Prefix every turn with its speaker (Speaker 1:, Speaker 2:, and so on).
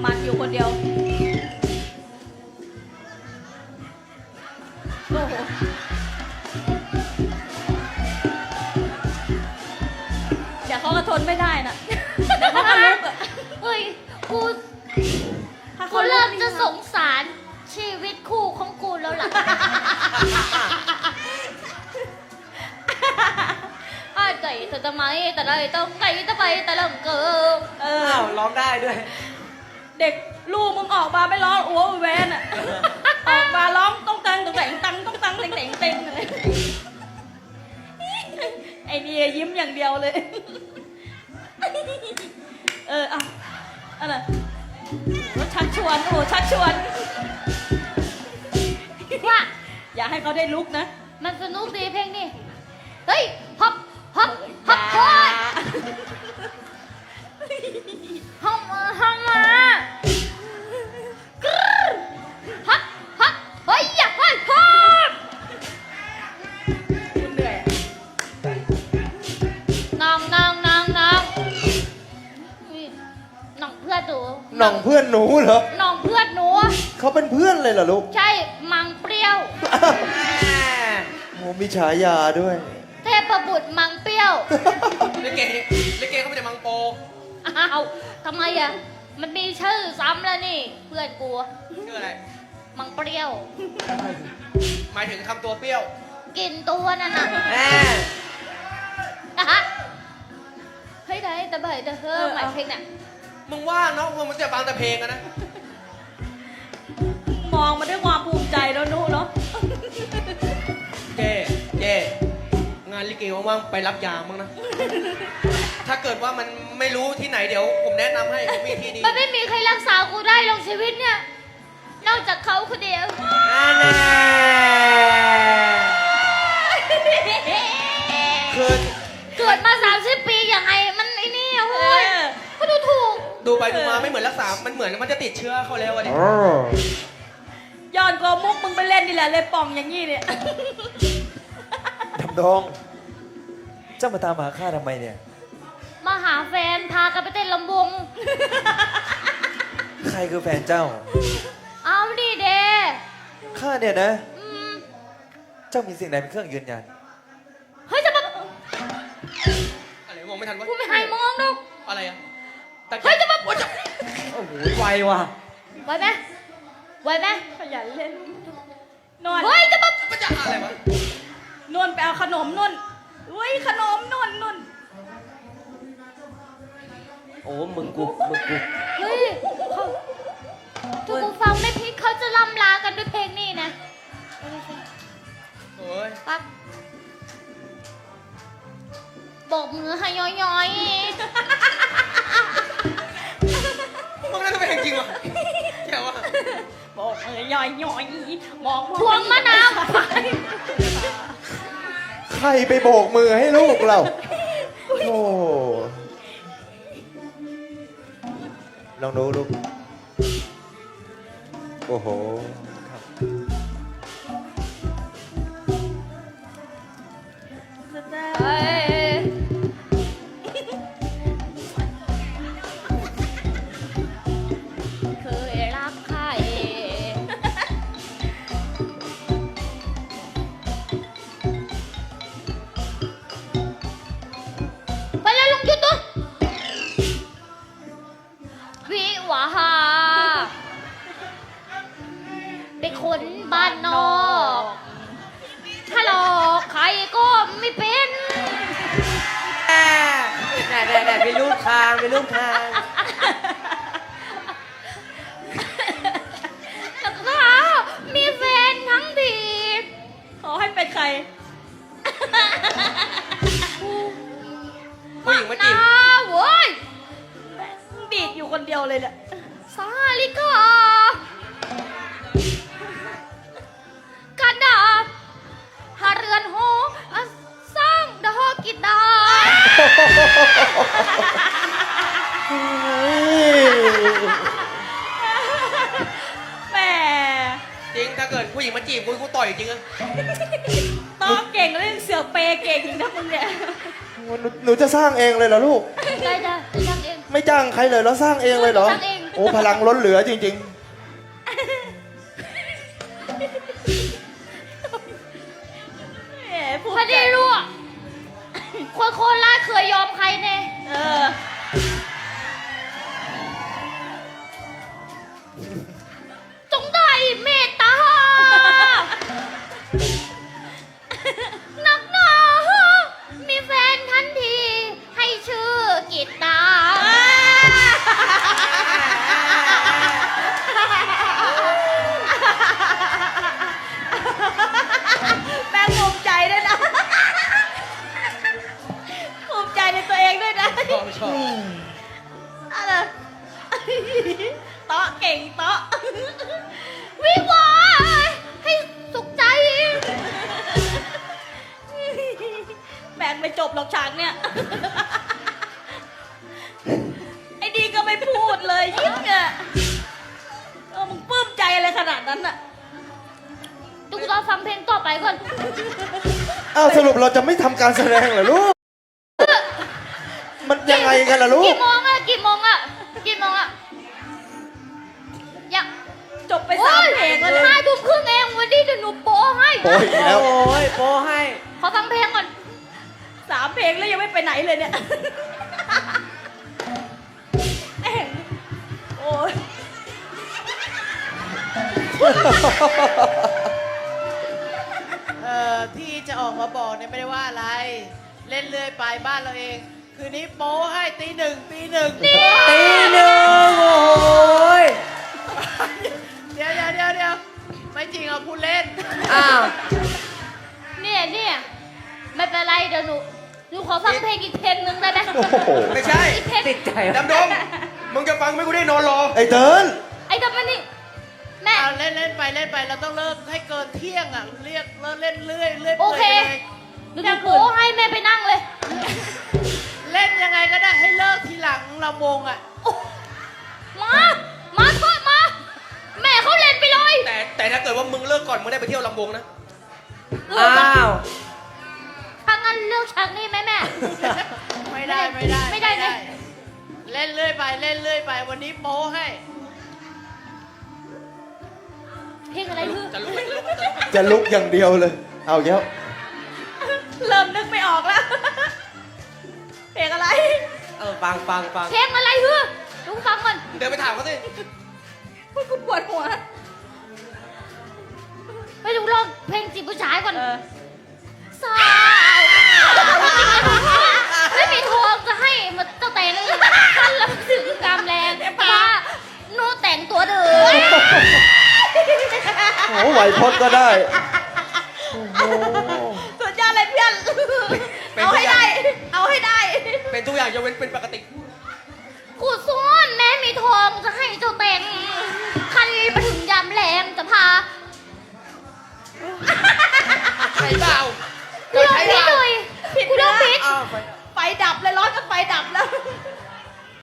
Speaker 1: มันอยู่คนเดียวโอ้โหเดี๋ยวเขาก็ทนไม่ได้นะเดี๋ยวเขาก็ลุกอ่ะ
Speaker 2: เฮ้ยกู
Speaker 1: ถ้า
Speaker 2: กู
Speaker 1: เขาลุ
Speaker 2: เริ่
Speaker 1: ก
Speaker 2: มจะสงสารชีวิตคู่ของกูแล้วล่ะอ้ายไก่เธอจะไหมแต่ไรต้องไก่จะไปแต่เริ่มเกิม
Speaker 3: อ้าวร้องได้ด้วย
Speaker 1: เด็กลูกมึงออกมาไม่ร้องอ้วแวนอ่ะ ออกมาร้องต้องตังต้องแต่งตังต้องตังแต่งแต่งแต่งเลยไอ้นี่ยิ้มอย่างเดียวเลย เอาอะไรโอ้ชักชวนโอ้ชักชวน
Speaker 2: ว่า
Speaker 1: อย่าให้เขาได้ลุกนะ
Speaker 2: มันสนุกดีเพลงนี้เฮ้ยฮับฮับฮับเฮ้ยฮับมาฮับมากรึ๊ดฮับฮับเฮ้ยอย่าเฮ้ยฮับ
Speaker 1: คุณเหนื่อยอะ
Speaker 2: น้องนี่น้องเพื่อนหนู
Speaker 4: หน่องเพื่อนหนูเหรอ
Speaker 2: น้องเพื่อนหนู
Speaker 4: เขาเป็นเพื่อนเลยเหรอลูก
Speaker 2: ใช่มังเปรี้ยว
Speaker 4: โอ้มีฉายาด้วย
Speaker 2: เทพบุตรมังเปรี้ยว
Speaker 3: ลิเกเขาไม่ได้มังโป
Speaker 2: อ้าวทำไมอ่ะมันมีชื่อซ้ำแล้วนี่ เพื่อนกู
Speaker 3: ชื่ออะไร
Speaker 2: มังเปรี้ยว
Speaker 3: หมายถึงทำตัวเปรี้ยว
Speaker 2: กินตัวนั่นน่ะ
Speaker 3: แม่
Speaker 2: อะฮะเฮ้ยได้แต่เบยแต่เฮ้อหมายเพลงเนี่ย
Speaker 3: มึงว่าน้องมันจะฟังแต่เพลงอะนะ
Speaker 1: มองมาด้วยความภูมิใจแล้วนุเนาะ
Speaker 3: เจ๊งานลิเกว่างๆไปรับยามั้งนะ ถ้าเกิดว่ามันไม่รู้ที่ไหนเดี๋ยวผมแนะนำให้ผมมีที่ดี
Speaker 2: มันไม่มีใครรักษากูได้หรอกชีวิตเนี่ย นอกจากเขาคนเดียว
Speaker 3: คือ
Speaker 2: เกิดมา30 ปียังไงมันไอ้นี่อะโว้ยก็ดูถูก
Speaker 3: ดูไปดูมาไม่เหมือนรักษา มันเหมือนมันจะติดเชื้อเขาแล้วอะดิ
Speaker 1: ย้อนกว่ามุกมึงไปเล่นนี่แหละเลยป่องอย่างนี้เนี่ย
Speaker 4: ทำดอง เจ้ามาตามหาข้าทำไมเนี่ย
Speaker 2: มาหาแฟนพากันไปเต้นลำวง
Speaker 4: ใครคือแฟนเจ้า
Speaker 2: เอาดิเด
Speaker 4: ข้าเนี่ยนะ
Speaker 2: อืม
Speaker 4: เจ้ามีสิ่งใดเป็นเครื่องยืนยัน
Speaker 2: เฮ้ยจะมา
Speaker 3: อะไรมองไม่ทันวะ
Speaker 2: กูไม่ให้มองดอก
Speaker 3: อะไรอะ
Speaker 2: เฮ้ยจะมา
Speaker 3: โอ้ย
Speaker 4: โอ้โหไวว่ะ
Speaker 2: ไหวไหมไหวไหม
Speaker 1: ขยันเล่นนวล
Speaker 2: เฮ้ยจะมา
Speaker 3: มันจะอะไรวะ
Speaker 1: นวลไปเอาขนมนุ่นอุ้ยขนมนุ่น
Speaker 3: โอ้มึงกู
Speaker 2: เฮ้ยเขาถ้ากูฟังไม่ผิดเขาจะลำลากันด้วยเพลงนี้นะ
Speaker 3: โอ้ย
Speaker 2: ปั๊บบอกมือให้ย้อย
Speaker 3: มึงน่าจะเป็นจริงวะแค่ว่า
Speaker 1: บอกย่อยมอง
Speaker 2: ๆพวงมะนาว
Speaker 4: ใครไปโบกมือให้ลูกเรา โอ้ลองดูลูก โอ้โหครับ
Speaker 2: เฮ้ยเคยรักใครไปแล้วลุงหยุดตัววิวาหาเป็นคนบ้านนอกถ้าหลอกใครก็ไม่เป็น
Speaker 3: แต่ไปรูปทางไปรูปทาง
Speaker 2: แต่ถ้ามีแฟนทั้งที
Speaker 1: ขอให้เป็นใคร
Speaker 3: ผู้หญิงมาจีบ
Speaker 2: เว้ย
Speaker 1: ดีดอยู่คนเดียวเลยเนี่ย
Speaker 2: สาลิกากันดาบหาเรือนหอสร้างดอกกิดา
Speaker 1: แหม
Speaker 3: จริงถ้าเกิดผู้หญิงมาจีบกูต่อยจริงอะ
Speaker 1: ตอบเก่งเรื่องเสือเปย์เก่งนะมึงเนี่ย
Speaker 4: หนูจะสร้างเองเลยเหรอลูก
Speaker 2: ได้จ้ะสร้างเอง
Speaker 4: ไม่จ้างใครเลยแล้วสร้างเองเลยเหรอ
Speaker 2: สร้างเอง
Speaker 4: โอ้พลังล้นเหลือจริง
Speaker 1: แหมพูด
Speaker 2: พอดีรู้อะคนโคราชเคยยอมใครแน่
Speaker 1: เออ
Speaker 2: จงได้เมตตา นักหนามีแฟนทันที ให้ชื่อกิตตา
Speaker 1: แม่งภูมิใจด้วยนะ ภูมิใจในตัวเองด้วยนะ
Speaker 3: ชอบชอบ
Speaker 1: อะไรเตาะเก่งเตาะ
Speaker 2: วิวาให้สุขใจ
Speaker 1: แบ่งไม่จบหรอกฉากเนี่ย ไอ้ดีก็ไม่พูดเลยยิ่งอ่ะมึงปลื้มใจอะไรขนาดนั้นอ่ะ
Speaker 2: ดูรอฟังเพลงต่อไปก่อน
Speaker 4: ๆ อ้าวสรุปเราจะไม่ทำการแสดงเหรอลูก มันยังไงกันล่ะลูก
Speaker 2: กี่โมงอะกี่โมงอะกี่โมงอะยัง
Speaker 1: จบไปสามเพลงแล้วเนี่ย
Speaker 2: 5 ทุ่มครึ่งเองวันนี้เดี๋ยวหนูโป้ให้
Speaker 4: โอ้ยอีกแล้ว
Speaker 3: โอ้ยโปรให้
Speaker 2: ขอฟังเพลงก่อน
Speaker 1: สามเพลงแล้วยังไม่ไปไหนเลยเนี่ยแม่งโอ้ย
Speaker 5: ที่จะออกมาบอกเนี่ยไม่ได้ว่าอะไร เล่นเรื่อยไปบ้านเราเอง คืนนี้โป้ให้ตีหนึ่ง
Speaker 3: ตีหนึ่งโอ้ย
Speaker 5: เดี๋ยวไม่จริงเอาพูดเล่น
Speaker 3: อ้าว
Speaker 2: เนี่ยไม่เป็นไรเดี๋ยวหนูขอฟังเพลงอีกเพลงนึงได้ไหม
Speaker 4: โอ้โห
Speaker 3: ไม่ใช่
Speaker 2: อีกเพลง
Speaker 3: ติดใจดำดงมึงจะฟังไหม่กูได้นอนรอ
Speaker 4: ไอ้เติร์น
Speaker 2: ไอ้ทำมันนี่แม่
Speaker 5: เอาเล่นไปเราต้องเลิกให้เกินเที่ยงอ่ะเลิกเล่นเรื่อย
Speaker 2: โอเค
Speaker 5: ปื่อยไปลย
Speaker 2: หนูจะโป้ให้แม่ไปนั่งเลย
Speaker 5: เล่นยังไงก็ได้ให้เลิกทีหลังลำวงอ่ะ
Speaker 2: มาโทษมา แม่เขาเล่นไปเลย
Speaker 3: แต่ถ้าเกิดว่ามึงเลิกก่อนมึงได้ไปเที่ยวลำวงนะ
Speaker 2: ถ้างั้นเลือกฉากนี้ไหมแม่
Speaker 5: ไม่ได้
Speaker 2: ไม่ได้ไง
Speaker 5: เล่นเรื่อยไปวันนี้โป้ให้
Speaker 2: เพลงอะไรคือ
Speaker 3: จะลุก
Speaker 4: จะลุกอย่างเดียวเลย เอาเยอะ
Speaker 1: เริ่มนึกไม่ออกแล้ว เพลงอะไร
Speaker 3: ฟัง
Speaker 2: เพลงอะไรคือดูฟังก่อน
Speaker 3: เดินไปถามเขาสิ
Speaker 1: พูดกูปวดหัว
Speaker 2: ไปดูลองเพลงจีบผู้ชายก่อน
Speaker 1: เออ
Speaker 2: สาวไม่มีทองจะให้มาเจ้าแต่งท่านลำถึงกำแรงป้าโนแต่งตัวเด้อ
Speaker 4: โอ้ไหวพจน์ก็ได้ โอ้โห
Speaker 1: สุดยอดเลยเพื่อน เอาให้ได้ เอาให้ได้
Speaker 3: เป็นทุกอย่างยกเว้นเป็นปกติ
Speaker 2: กูซ้อนแม่มีทองจะให้เจ้าแต่ง